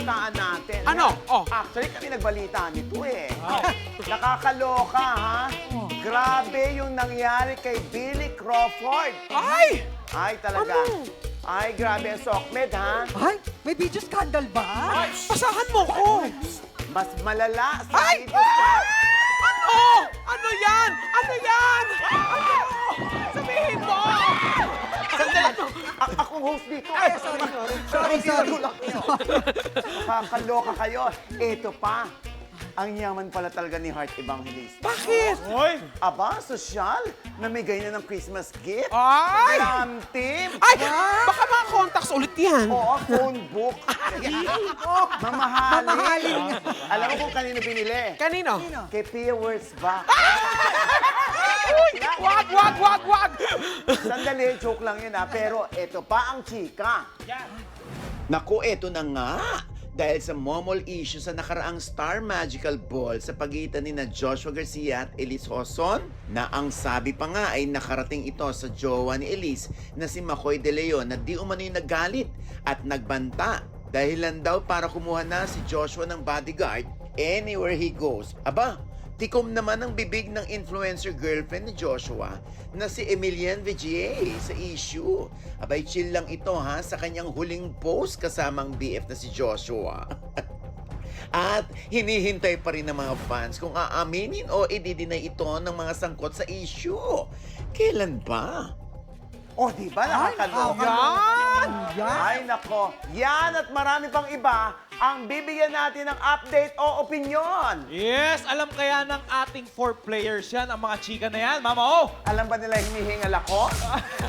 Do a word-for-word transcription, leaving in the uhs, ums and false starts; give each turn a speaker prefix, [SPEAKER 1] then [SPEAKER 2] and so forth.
[SPEAKER 1] balitaan natin.
[SPEAKER 2] Ano?
[SPEAKER 1] Yan.
[SPEAKER 2] Oh.
[SPEAKER 1] Actually, kami nagbalitaan nito eh. Nakakaloka, ha? Grabe yung nangyari kay Billy Crawford.
[SPEAKER 2] Ay!
[SPEAKER 1] Ay, talaga.
[SPEAKER 2] Ano?
[SPEAKER 1] Ay, grabe ang sokmed, ha?
[SPEAKER 3] Ay, may video scandal ba?
[SPEAKER 2] Ay, pasahan mo ko!
[SPEAKER 1] Mas malala sa
[SPEAKER 2] Ay!
[SPEAKER 1] video scandal.
[SPEAKER 2] Ano? Ano yan? Ano yan? Ano? Sabihin mo!
[SPEAKER 1] Sandali, a- akong host dito.
[SPEAKER 3] Ay, sorry, sorry. Sorry, sorry.
[SPEAKER 1] Nakakaloka kayo. Ito pa. Ang yaman pala talaga ni Heart Evangelista.
[SPEAKER 2] Bakit?
[SPEAKER 4] Hoy!
[SPEAKER 1] Aba, sosyal. Namigay na ng Christmas gift.
[SPEAKER 2] Ay!
[SPEAKER 1] Glam team.
[SPEAKER 2] Ay! Baka mga contacts ulit yan.
[SPEAKER 1] Oo, phone book. Mamahalin.
[SPEAKER 3] Mamahalin.
[SPEAKER 1] Alam mo kung kanino binili?
[SPEAKER 2] Kanino?
[SPEAKER 1] Kay Pia Words ba?
[SPEAKER 2] Wag, wag, wag, wag!
[SPEAKER 1] Sandali, joke lang yun ha. Pero eto pa ang chika. Naku, eto na nga. Dahil sa momol issue sa nakaraang Star Magical Ball sa pagitan ni na Joshua Garcia at Elise Hoson, na ang sabi pa nga ay nakarating ito sa jowa ni Elise na si Makoy De Leon na di umano'y nagalit at nagbanta dahilan daw para kumuha na si Joshua ng bodyguard anywhere he goes. Aba, tikom naman ang bibig ng influencer girlfriend ni Joshua na si Emilian Vigier sa issue. Abay, chill lang ito ha sa kanyang huling post kasamang B F na si Joshua. At hinihintay pa rin ng mga fans kung aaminin o i-deny ito ng mga sangkot sa issue. Kailan ba? Oh, di ba? Nakakaloka.
[SPEAKER 2] Yan!
[SPEAKER 1] Ay, nako. Yan at marami pang iba ang bibigyan natin ng update o opinion.
[SPEAKER 4] Yes! Alam kaya ng ating four players yan, ang mga chika na yan, Mama O!
[SPEAKER 1] Alam ba nila hinihingal ako?